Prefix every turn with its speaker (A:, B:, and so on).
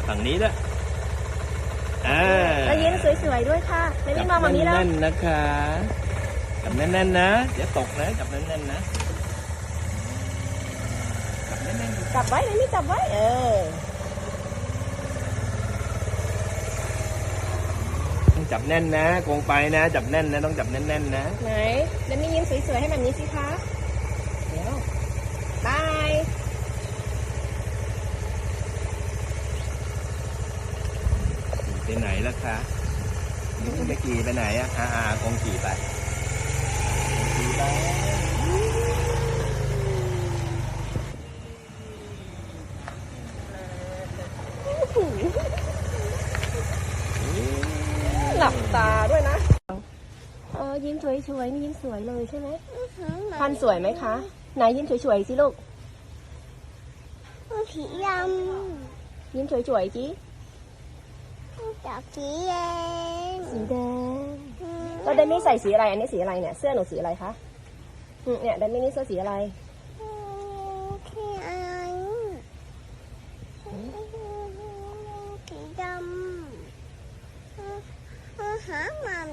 A: ฝั่งนี้ด้วย
B: แล้วยิ้มสวยๆด้วยค่ะไม่ได้มองแบบนี้แล้ว
A: แน่นๆนะคะจับแน่นๆนะเดี๋ยวตกนะจับแน่นๆนะจับแน่นๆ
B: จับไว้นี่จับไว้
A: ต้องจับแน่นนะโกงไปนะจับแน่นนะต้องจับแน่นๆนะ
B: ไหนเดมี่ยิ้มสวยๆให้แบบนี้สิคะเดี๋ยวบาย
A: ไปไหนล่ะคะนี่ไม่ขี่ไปไหนคงขี่ไปขี่ไป
B: หลับตาด้วยนะยิ้มสวยๆนี่ยิ้มสวยเลยใช่ไหมพันสวยไหมคะไหนยิ้มสวยๆสิลูก
C: สีดำ
B: ยิ้มสวยๆจี
C: จากสีแดง
B: สีแดงแล้วเดมี่ใส่สีอะไรอันนี้สีอะไรเนี่ยเสื้อหนูสีอะไรคะเนี่ยเดมี่นี่เสื้อสีอะไร
C: สีอะไรสีดำหามา